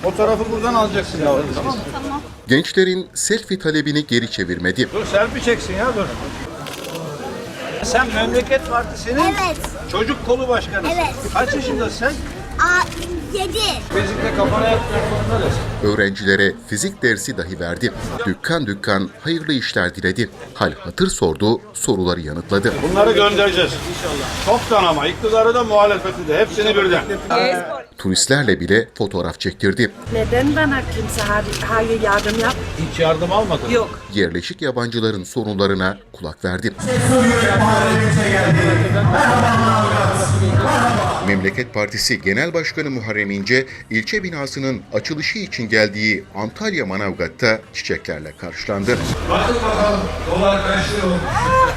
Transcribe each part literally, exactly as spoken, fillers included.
Fotoğrafı buradan alacaksın ya. Tamam mı? Tamam. Gençlerin selfie talebini geri çevirmedi. Dur selfie çeksin ya dur. Sen Memleket Partisi'nin Evet. çocuk kolu başkanısın. Evet. Kaç yaşındasın sen? Aa, yedi. Fizikte kafana yatmak zorunda değilsin. Öğrencilere fizik dersi dahi verdi. Dükkan dükkan hayırlı işler diledi. Hal hatır sordu, soruları yanıtladı. Bunları göndereceğiz inşallah. Çoktan ama iktidarı da muhalefeti de hepsini birden. Turistlerle bile fotoğraf çektirdi. Neden bana kimse hayır yardım yap? Hiç yardım almadın. Yok. Yerleşik yabancıların sorunlarına kulak verdi. Memleket Partisi Genel Başkanı Muharrem İnce, ilçe binasının açılışı için geldiği Antalya Manavgat'ta çiçeklerle karşılandı. Bakın bakalım dolar kaç lira olmuş?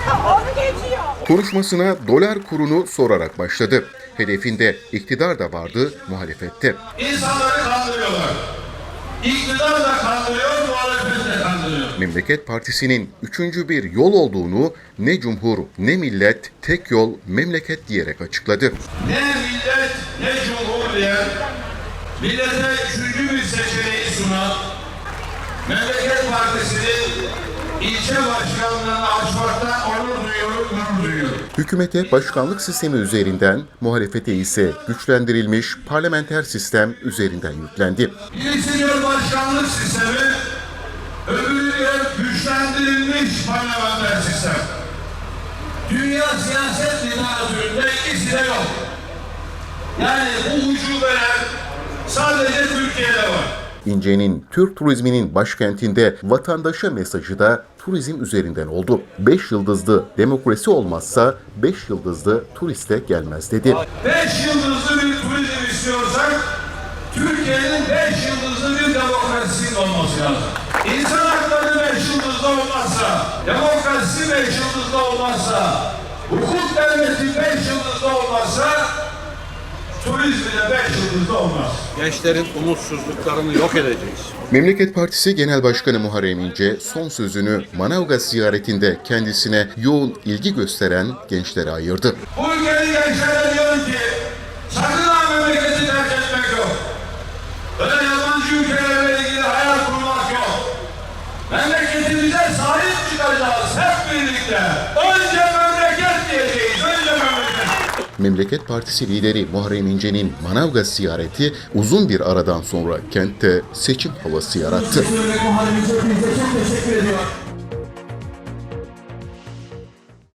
Konuşmasına dolar kurunu sorarak başladı. Hedefinde iktidar da vardı, muhalefette. İnsanları kandırıyorlar. İktidar da kandırıyor, muhalefet de kandırıyor. Memleket Partisi'nin üçüncü bir yol olduğunu ne cumhur ne millet tek yol memleket diyerek açıkladı. Ne millet ne cumhur diyen, millete üçüncü bir seçeneği sunan Memleket Partisi'nin ilçe başkanlığını açmaktan onur duyuyor, gurur duyuyor. Hükümete başkanlık sistemi üzerinden, muhalefete ise güçlendirilmiş parlamenter sistem üzerinden yüklendi. Birisi diyor başkanlık sistemi, öbürü diyor güçlendirilmiş parlamenter sistem. Dünya siyaset literatüründe ikisi de yok. Yani bu ucubeler sadece Türkiye'de var. İnce'nin Türk turizminin başkentinde vatandaşa mesajı da turizm üzerinden oldu. Beş yıldızlı demokrasi olmazsa beş yıldızlı turiste gelmez dedi. Beş yıldızlı bir turizm istiyorsak Türkiye'nin beş yıldızlı bir demokrasinin olması lazım. İnsan hakları beş yıldızlı olmazsa, demokrasi beş yıldızlı olmazsa, hukuk devleti beş yıldızlı olmazsa turizmi de beş yıldızlı olmaz. Gençlerin umutsuzluklarını yok edeceğiz. Memleket Partisi Genel Başkanı Muharrem İnce son sözünü Manavgat ziyaretinde kendisine yoğun ilgi gösteren gençlere ayırdı. Bu ülkenin gençlere diyorum ki sakın ha memleketi terk etmek yok. Öyle yabancı ülkelerle ilgili hayal kurmak yok. Memleketimize sahip çıkacağız hep birlikte. Önce memleket diyeceğiz, önce memleket. Memleket Partisi lideri Muharrem İnce'nin Manavgat ziyareti uzun bir aradan sonra kentte seçim havası yarattı. Muharrem İnce hepinize çok teşekkür ediyorum.